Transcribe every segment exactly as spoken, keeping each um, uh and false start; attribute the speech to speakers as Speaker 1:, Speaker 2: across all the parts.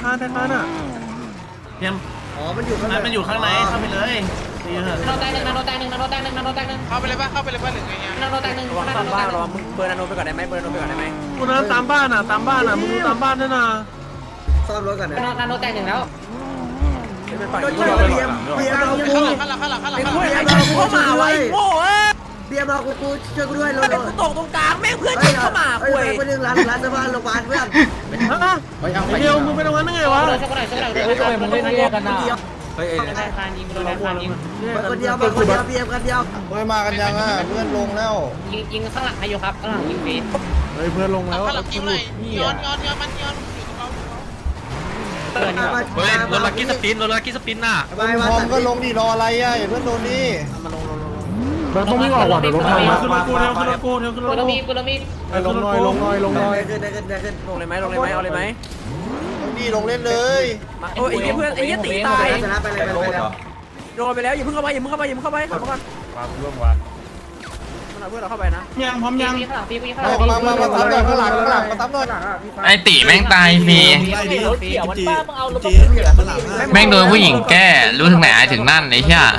Speaker 1: านธนาคารอ่ะเตรียมอ๋อมันอยู่ข้างในมันอยู่ข้างในเข้าไปเลยนาโนแตงหนึ่งนาโนแตงหนึ่งนาโนแตงหนึ่งนาโนแตงหนึ่งเข้าไปเลยป่ะเข้าไปเลยป่ะหรือไงนาโนแตงหนึ่งระวังตามบ้านระวังมึงเบอร์นาโนไปก่อนได้ไหมเบอร์นาโนไปก่อนได้ไหมกูนะตามบ้านอ่ะตามบ้านอ่ะมึงดูตามบ้านด้วยนะซ่อมรถก่อนนะนาโนแตงหนึ่งแล้วโดนเบียร์เบียร์เบียร์เรากูข้างหลังข้างหลังข้างหลังข้างหลังเบียร์เรากูเข้ามาไว้โง่เอ้ยเบียร์เรากูกูช่วยกูด้วยรถกูตกตรงกลางแม่งเพื่อนฉันเข้ามาคุยคนนึงร้านร้านสะพานโรงพยาบาลเพื่อนเดี๋ยวมึงไปตรงนั้นได้ไงวะเฮ้ยทำไมมึงเล่นแยกกันนะเฮ้ยธนาคารยิงโดนธนาคารยิงคนเดียวมาคนเดียวเบียร์คนเดียวเฮ้ยมากันยังอ่ะเพื่อนลงแล้วยิงยิงข้างหลังให้อยู่ครับข้างหลังยิงฟรีเฮ้ยเพื่อนลงแล้วข้างหลังยิงเลยย้อนย้อนย้อนมันย้อนเฮ้ยรถลักกี้สปินรถลักกี้สปินน่ะพร้อมก็ลงดิรออะไรอ่ะเพื่อนโดนนี่มาลงลงลงเราต้องวิ่งออกก่อนเดี๋ยวรถพังมาขึ้นรถกูเร็วขึ้นรถกูเร็วขึ้นรถกูมีกูมีลงหน่อยลงหน่อยลงหน่อยขึ้นได้ขึ้นได้ขึ้นลงเลยไหมลงเลยไหมเอาเลยไหมลงดิลงเล่นเลยโอ้ยไอ้เพื่อนไอ้ยี่ตีตายชนะไปเลยไปเลยโดนไปแล้วอย่าเพิ่งเข้าไปอย่าเพิ่งเข้าไปอย่าเพิ่งเข้าไปเข้ามาก่อนมาเรื่องวะมันเอาเพื่อนเราเข้าไปนะยังพร้อมยังมามามาตั้มหน่อยข้างหลังข้างหลังมาตั้มหน่อย
Speaker 2: ไอตีแม่งตายฟรีแม่งโดนผู้หญิงแก้รู้ถึงไหนถึงนั่นไอ้เหี้ย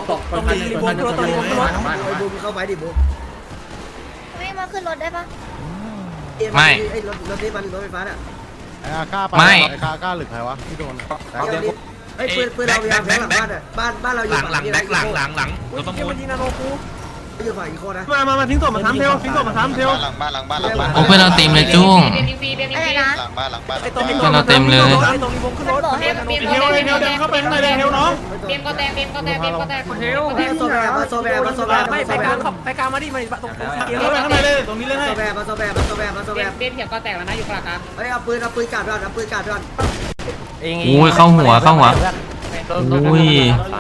Speaker 1: เข้าไปดิบุ๊ก
Speaker 3: ไม่มาขึ้นรถได้ปะ
Speaker 2: ไม่
Speaker 1: ไอ้รถรถนี้มันรถไฟฟ้าอ่ะ
Speaker 4: ไอ้อาก้าไปไอ้ก้าก้าหรือใครวะที่โดน
Speaker 1: ไอ้ปืนปืนเรายาวหลังบ้านอ่ะบ้านบ้านเราอยู่หลังหลังแบ็คหลังหลังหลังรถประมูลยิงนาโนกูอยู่ฝั่งอีโคนะมามามาทิ้งศพมาทำเทลทิ้งศพมาทำเทล
Speaker 5: หลังบ้านหลังบ้านหลังบ้าน
Speaker 2: โอ้เพื่อนเราเต็มเลยจุ้ง
Speaker 3: อะไรนะ
Speaker 5: หลังบ้านหลังบ้าน
Speaker 2: เพื่อนเราเต็มเลย
Speaker 1: ตรงนี้วงขึ้นรถเทลเทลเทลเดินเข้าไปข้างในเลยเทลน้อง
Speaker 3: เบียมก็แตกเบียมก็แตกเบียมก็แตก
Speaker 1: เทลโซแบมาโซแบมาโซแบไม่ไปกลางไปกลางมาดิมาตรงเทลไปข้างในเลยตรงนี้เลยให้โซแบมาโซแบมาโซแบมาโซแบ
Speaker 3: เบียมเถียงก็แตกแล้วนะอยู่กลางกลาง
Speaker 1: เฮ้ยเอาปืนเอาปืนกาดก่อนเอาปืนกาดก่อน
Speaker 2: อุ้ยเข้าหัวเข้าหัวอุ้ย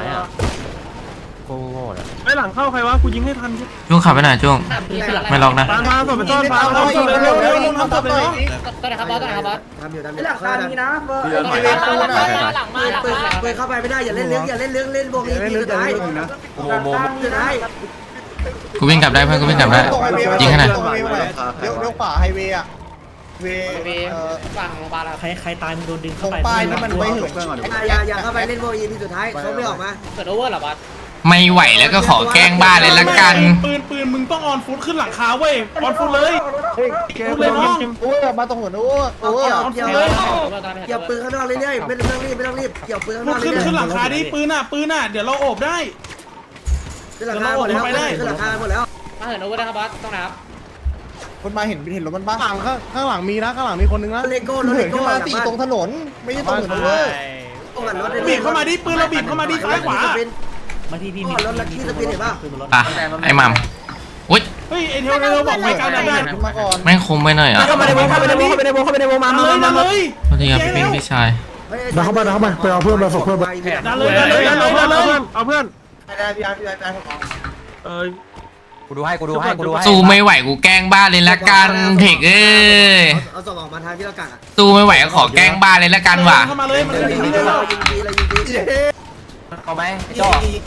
Speaker 1: ไอ้หลังเข้าใครวะกูยิงให้ทัน
Speaker 2: จุ้งขับไปไหนจุ้งไม่ล็อกนะ
Speaker 1: ปานมาส่งไปต้นปานเอาส่งเร็วเร็วเร็วทำตัวเลย
Speaker 3: ต้นไหนครับบอสต้นไหนครับบอส
Speaker 1: ทำอยู่ทำอยู่หลังคามีนะเบอร์หลังมาหลังมาเปิดเปิดเข้าไปไม่ได้อย่าเล่นเลี้ยงอย่าเล่นเลี้ยงเล่นวงนี้ทีสุดท้ายโมโมสุดท้าย
Speaker 2: กูวิ่งกลับได้เพื่อนกูวิ่งกลับได้ยิงขนาด
Speaker 4: เลี้ยวเลี้ยวขวาไฮเวย์อะเว
Speaker 3: ฝั่งโรงพยาบาล
Speaker 4: ใครใครตายมึงโดนดึงเข้าไปป้ายนี่มันไม่เหิน
Speaker 1: อย่าอย่าเข้าไปเล่นวงนี้ทีสุดท้ายเขาไม่ออกมา
Speaker 3: เกิดโอเวอร์หรอบอส
Speaker 2: ไม่ไหวแล้วก็ขอแกล้งบ้านเลยละกัน
Speaker 1: ปืนปืนมึงต้องออนฟุตขึ้นหลังคาเว้ยออนฟุตเลยฟุตเลยน้อง
Speaker 4: โอ้ยมาตรงหัวนู้นโอ้ย
Speaker 1: เกี่ยวเลยเกี่ยวปืนข้างนอกเรื่อยๆไม่ต้องรีบไม่ต้องรีบเกี่ยวปืนข้างนอกขึ้นขึ้นหลังคาดิปืนอ่ะปืนอ่ะเดี๋ยวเราโอบได้ขึ้นหลังคาหมดแล้วขึ้นหลังคาหมดแล้ว
Speaker 3: มาเหินโอเวอร์ได้ครับบอสต้องนะครับ
Speaker 4: คนมาเห็นเห็นรถมันบ้างข้างข้างหลังมีนะข้างหลังมีคนนึงนะ
Speaker 1: เลโก้รถเลโก้
Speaker 4: มาตีตรงถนนไม่ใช่ตรงถนนเลย
Speaker 1: บีบเข้ามาดิปืนเราบีบเข้ามาดิซ้ายขวา
Speaker 4: มาที่พี่มี
Speaker 1: รถลักกี้สปินเห็นป่ะ
Speaker 2: อ่ะไอ้มัมอุ้ย
Speaker 1: เฮ้ยไอ้เทวเทวบอกไปกลางได้
Speaker 4: มาก่อน
Speaker 2: แม่งคมไปหน่อยอ่ะ
Speaker 1: เข้าไปในวงเข้าไปในวงเข้าไปในวงเข้าไปในวงมาเลยมาเลย
Speaker 2: พอดีครับพี่พี่ชาย
Speaker 4: ดันเข้าไปดันเข้าไปไปเอาเพื่อนมาส่งเพื่อนมา
Speaker 1: ดันเลยดันเลยดันเลยดันเลยเอาเพื่อน
Speaker 4: ได้พี่อาร์พี่อาร์
Speaker 1: เออ
Speaker 5: กูดูให้กูดูให้กูดูให้
Speaker 2: สู้ไม่ไหวกูแกล้งบ้านเลยละกันเทคเอ้ย
Speaker 1: เอาสมองมาทางที่เรากัดอ่ะ
Speaker 2: สู้ไม่ไหวก็ขอแกล้งบ้านเลยละกันว่ะ
Speaker 1: เข้ามาเลยมันยิงเลยยิงดีเลยยิงดี
Speaker 5: เอาไหมจ่อ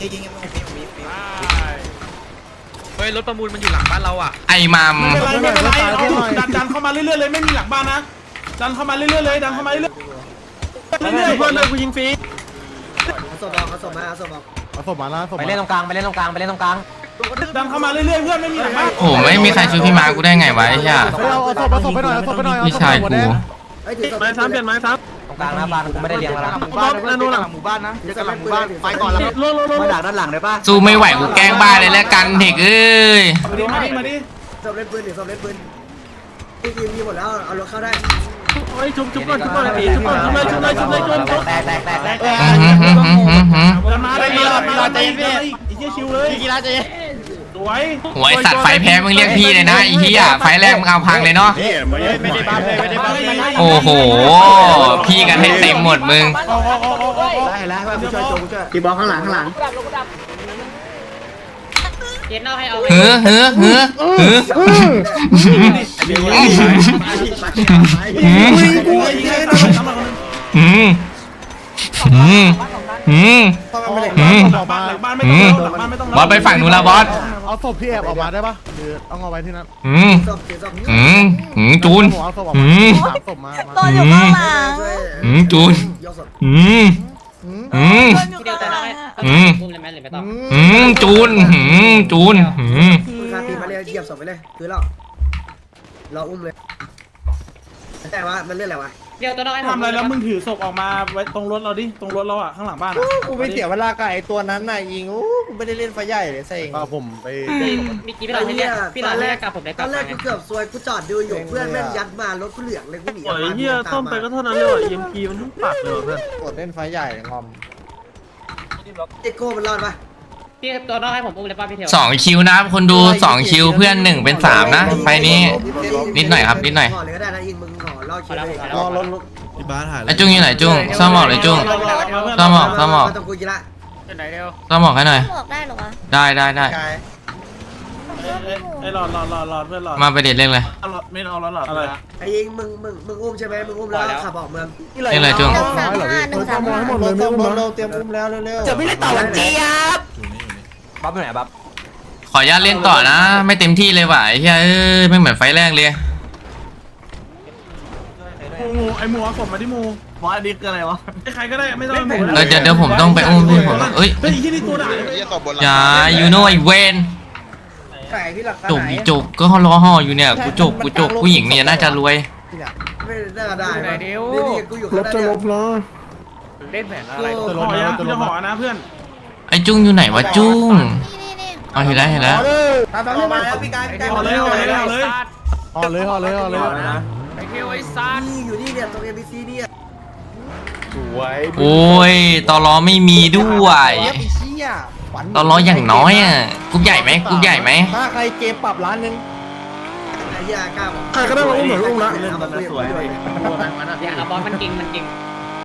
Speaker 5: เฮ้ยรถประมูลมันอยู่หลังบ้านเราอ่ะ
Speaker 2: ไอ้มัม
Speaker 1: ไม่เป็นไรไม่เป็นไรดันดันเข้ามาเรื่อยๆเลยไม่มีหลังบ้านนะดันเข้ามาเรื่อยๆเลยดันเข้ามาเรื่อยๆเรื่อยๆเพื่อนเลยกูยิงฟรีเอาศพออกเอาศพมาเอาศพออก
Speaker 4: เอาศพมาแล้ว
Speaker 5: ไปเล่นตรงกลางไปเล่นตรงกลางไปเล่นตรงกลาง
Speaker 1: ดันเข้ามาเรื่อยๆเพื่อนไม่มีหลังบ้าน
Speaker 2: โอ้ไม่มีใครช่วยพี่มากูได้ไงวะไอ้เหี้ย
Speaker 4: เอาศพเอาศพไปหน่อยเอาศพไปหน่อย
Speaker 2: พี่ชายกู
Speaker 1: ไม้ซ้ำเปลี่ยนไม้ซ้ำ
Speaker 5: ตรงกลางหน้าบ้านกูไม่ได้เลี้ยงแล้ว
Speaker 1: หมู่บ้านนะนู่นหลังหมู่บ้านนะเดี๋ยวกันหลังหมู่บ้านไปก่อนแล้วมาดักด้านหลังได้ป่ะ
Speaker 2: สู้ไม่ไหวกูแกล้งบ้านเลยละกันเทคเอ้ย
Speaker 1: มาดิมาดิมาดิสอบเล่นปืนเดี๋ยวสอบเล่นปืนที่ทีมมีหมดแล้วเอารถเข้าได้เฮ้ยชุบชุบก่อนชุบก่อนชุบก่อนชุบเลยชุบเลยชุบเลยชุบ
Speaker 5: แตกแตกแตกแตก
Speaker 1: มาได้มาได้มาได้ไอ้เหี้ยชิวเลย
Speaker 5: กีฬาเจ๊
Speaker 1: สวย
Speaker 2: หวยสัตว์ไฟแพ้มึงเรียกพี่เลยนะไอ้เหี้ยไฟแรกมึงเอาพังเลยเนาะ
Speaker 5: ไม่ได้บ้าเลยไม่ได้บ้าเลย
Speaker 2: โอ้โหพี่กันให้เต็มหมดมึง
Speaker 1: ได้แล้วผู้ช่วยโจผู้ช่วยตีบอลข้างหลังข้างหลัง
Speaker 3: เย็นเอาให้เอา
Speaker 2: เฮ้อเฮ้อเฮ้อเฮ้ออืมอืมอืมอืมบอสไปฝั่งนู้นแล้วบอส
Speaker 4: เอาศพพี่แอบออกมาได้ปะหรือต้องเอาไว้ที่นั่น
Speaker 2: อืมอืมอืมจูนอืม
Speaker 4: ศพมา
Speaker 3: ตัวอยู่ข้างหลัง
Speaker 2: อืมมจูนอืมอืม
Speaker 3: พี่เดียวแต่ได้
Speaker 2: อืม
Speaker 3: พุ่มเลยไหมหรือไม่ต้อง
Speaker 2: อืมจูนอืมจูนอืม
Speaker 6: มึงคาตีมาเลยเหยียบศพไปเลยคือเราเราอุ้มเลยแต่ว่ามันเรื่องอะไรวะ
Speaker 3: เดียวตัวน้อย
Speaker 7: ทำอะไรแล้วมึงถือศพออกมาไว้ตรงรถเราดิตรงรถเราอ่ะข้างหลังบ้าน
Speaker 4: กูไปเสียเวลากับไอ้ตัวนั้นน่ะยิงโอ้กูไม่ได้เล่นไฟใหญ่เลยเซ็ง
Speaker 7: ผมไป
Speaker 3: มีกี่พี่หลอดให้เรียกพี่หลอดให้เรียกกลับผมได้ก
Speaker 6: ต
Speaker 3: ลั
Speaker 6: อบ นแร
Speaker 3: มาก ไง
Speaker 6: กูเกือบซวยกูจอดดูอยู่เพื่อนแม่งยัดมารถกูเหลืองเลยกูหนี
Speaker 7: โอ้ยเฮียต้มไปก็เท่านั้นเลยเอ็มพีมันทั้งปากเลยเพื่อน
Speaker 4: กดเล่นไฟใหญ่งอม
Speaker 6: เอ็กโก้มันรอดปะ
Speaker 3: พี่ตัวน้อยให้ผมอุ้มเลยป่ะพี่เทียว
Speaker 2: สองคิวนะครับคนดูสองคิวเพื่อนหนึ่งเป็นสามนะไฟนี้นิดหน่อยครับนิดหน่อย
Speaker 6: ห่อเลยก็ได้นะอินมึงห่อล่อคิวเลย
Speaker 4: รอรถ
Speaker 7: ที่บ้านหาย
Speaker 2: ไอ้จุ้งอยู่ไหนจุ้งซ่อมหมอกเลยจุ้งซ่อมหมอกซ่อมหมอก
Speaker 6: ต้องกูกินละ
Speaker 3: ไหนเดียว
Speaker 2: ซ่อมหมอกให้หน่อย
Speaker 8: บอกได้เหรอวะ
Speaker 2: ได้ได้ได้
Speaker 4: กาย
Speaker 7: ไอ้หลอดหลอดหลอดหลอดเพื่อนหลอด
Speaker 2: มาไปเด็ดเร่งเลย
Speaker 7: ไม่เอาหลอดหลอดอะไร
Speaker 6: ไอ้ยิงมึงมึงมึงอุ้มใช่ไหมมึงอุ้มแล้วขับออกเมือง
Speaker 2: เร่งเลยจุ้ง
Speaker 8: หนึ่งสามห้าหนึ่งสามห้า
Speaker 4: หมดเลยไม่อุ้มเราเตรียมอุ้มแล้วเร็วๆ
Speaker 5: จะไม่ได้ต่อวันเจี๊ยบบัฟอยู่ไหนบัฟ
Speaker 2: ขออนุญาตเล่นต่อนะ ไม่เต็มที่เลยว่ะไอ้เหี้ยเอ้ยไม่เหมือนไฟแรกเลย
Speaker 7: มูไอ้มูเอาศพมาที่มู
Speaker 1: บอสอันนี้คืออะไรวะ
Speaker 7: ไอ้ใครก็ได้ไม่ต้อง
Speaker 2: เออเดี๋ยวเดี๋ยวผมต้องไปอุ้มพี่ผมเอ้ย
Speaker 7: เฮ้ยที่นี่ตัวด่า
Speaker 2: อย่ายูโน่ไอเวน
Speaker 4: ไก่พี่หลัก
Speaker 2: จุกอีจุกก็รอห่ออยู่เนี่ยกูจุกกูจุกผู้หญิงเนี่ยน่าจะรวย
Speaker 6: ไม่น่าได้นี่นี่กูอยู่ข้างหน้าเนี่ย
Speaker 3: เล่นแผนอะไร
Speaker 7: ห่อยังจะห่อนะเพื่อน
Speaker 2: ไอจุ้งอยู่ไหนวะจุ้ง
Speaker 8: นี่นี่นี่
Speaker 2: เอาเห็นแล้วเห็นแล้ว
Speaker 4: ตามตาม
Speaker 6: ออก
Speaker 4: มา
Speaker 6: มาแล้วพี่กายพี่กาย
Speaker 7: ห่อเลยห่อเลยห่อเลย
Speaker 4: ห่อเลยห่อเลยห่อเลย
Speaker 3: ไอ้เทียวไอ้ซัด
Speaker 6: นี่อยู่นี่เนี่ยตรงเอ็มบีซีเนี่ย
Speaker 2: โอ้ยตอล้อไม่มีด้วย
Speaker 4: เย็บอีเชี่ยฝัน
Speaker 2: ตอล้ออย่างน้อยอ่ะกรุ๊ปใหญ่ไหมกรุ๊ปใหญ่ไหม
Speaker 4: ถ้าใครเกมปรับร้านนึง
Speaker 6: ไอ้ยากล้าบอก
Speaker 4: ใครก็ได้มาอุ้มหน่อยอุ้มละ
Speaker 6: เอามาคุยกับกูด้วย
Speaker 3: อย่าบอสมันจริงมันจริง
Speaker 6: เ